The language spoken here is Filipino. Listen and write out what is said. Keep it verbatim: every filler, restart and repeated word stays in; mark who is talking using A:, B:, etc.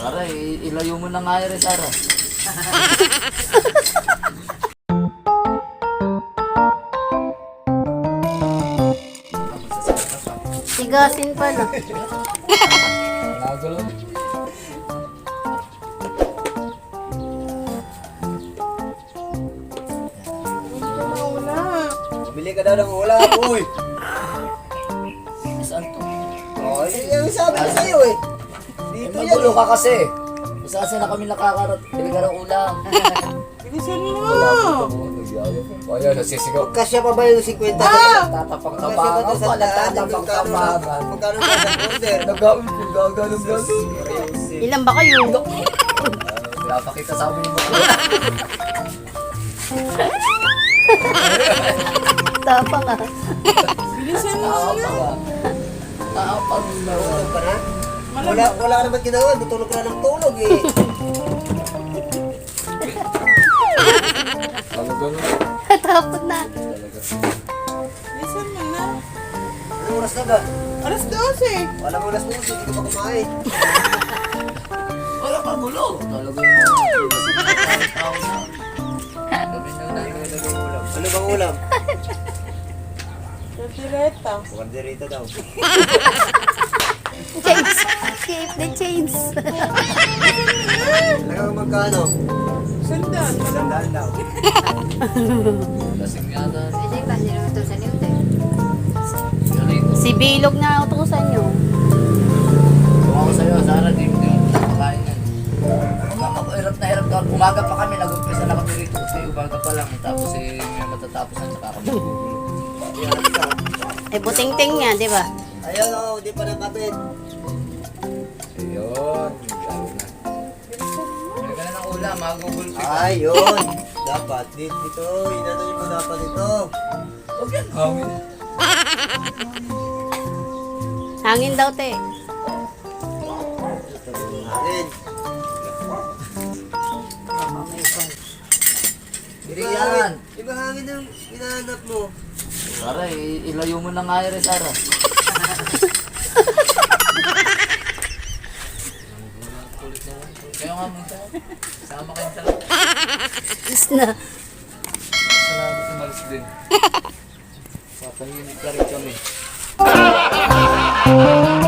A: Sara, i- ilayo mo na nga yun, Sara.
B: Tigasin pala.
A: Nagulo.
C: Bili ka daw ng ulam, uy.
A: Saan to?
C: Oh, yung sabi ko sa'yo eh. Dito yan.
A: Magulo ka kasi. Saan saan na kami nakakarat? Bili ka ng ulam.
D: Bilisan mo!
A: Kaya nasisigaw.
C: Kasya pa ba yung fifty?
D: Ah!
A: Tatapang
C: Kasya ba
A: tapangan
C: ito sa
A: pa.
C: daan?
A: Tatapang tapangan.
C: Magkano na sa order?
A: Nagawin ko gagawin gagawin.
B: Ilan ba kayo?
A: Pinapakita sa amin yung mga.
B: Tapang ah.
D: Bilisan mo!
A: Taapang ah. Taapang na.
C: Tulog ka na? Wala, wala ka naman ginawa. Tutulog ka na ng tulog eh.
A: Talaga na.
B: Tapos na.
D: Bilisan mo na!
C: Anong oras na ba?
D: Alas dose!
C: Walang oras mo, hindi ka pa kumain.
A: Wala ka gulo. Talaga yung mga tao na. Kami na nalagay ng ulam.
C: Ano bang ulam?
D: Tortileta.
C: Bukanderita daw.
B: Chains. Keep the chains.
C: Talagang magkano?
D: Sundan.
C: Sandaan daw.
A: Lasing yata.
B: Si Bilog na utusan nyo.
A: Kung ako sa'yo, Sara, di mo din nakakain yan. Ako, hirap na hirap ka. Umaga pa kami, nag-umpisa na kami rito kasi umaga pa lang. Tapos eh, may matatapos na saka kami.
B: Eh, buting-ting niya, di ba?
C: Ayun o, di pa nakabit.
A: Ayun. Lalo na. May ka na ng ulam, magugul ka.
C: Ayun. Dapat dito, dito. Inano niyo po dapat ito.
A: Huwag yan, hangin.
B: Hangin daw, te.
C: Akin.
A: Hindi yan.
C: Iba hangin yung hinahanap mo.
A: Sara, i- ilayo mo na nga yun, Sara. Kulit naman. Kaya nga mo ito. Sama kayo sa lahat.
B: Is na.
A: Salamat umalis din. Papahinit ka rin kami.